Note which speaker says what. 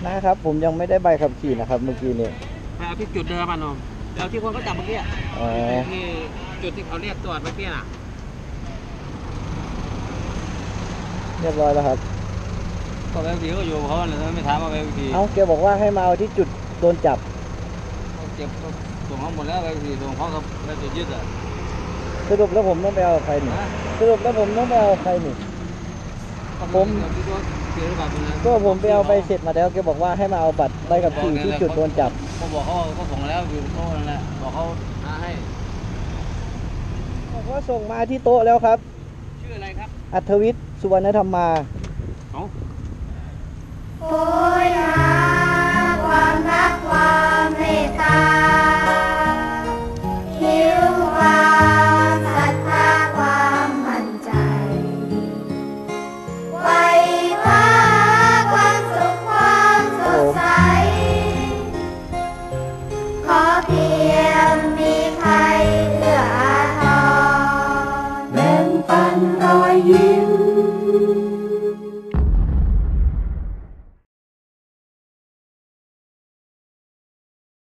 Speaker 1: นะครับผมยังไม่ได้ใบขับขี่นะครับเมื่อกี้นี้
Speaker 2: ไปเอาที่จุดเดิมอ่ะน้องเอาที่คนเขาจับเมื่อกี้ที่จุดที่เขาเรียกตรวจเมื่อกี้น่ะ
Speaker 1: เรียบร้อยแล้วครับ
Speaker 2: ก็ใบขับขี่ก็อยู่เขาเลยไม่ถามว่าใบขับขี่
Speaker 1: เอาแกบอกว่าให้มาเอาที่จุดโดนจับ
Speaker 2: เขาเก็บส่งเขาหมดแล้วใบขับขี่ส่งเขากับใบตรวจยึดอ่ะ
Speaker 1: สรุปแล้วผมต้องไปเอาใครนี่สรุปแล้วผมต้องไปเอาใครนี่ผมก็ผมไปเอาใบเสร็จมาแล้วแกบอกว่าให้มาเอาบัตรใบขับขี่ที่จุดโดนจับ
Speaker 2: ผมบอกเขาก็ส่งแล้วอยู่โต๊ะนั่นแหละบอกเขาให้
Speaker 1: บอกว่าส่งมาที่โต๊ะแล้วครับ
Speaker 2: ชื่ออะไรครับ
Speaker 1: อัธวิทย์สุวรรณธรรมา
Speaker 3: โอยหาความรักความเมตตา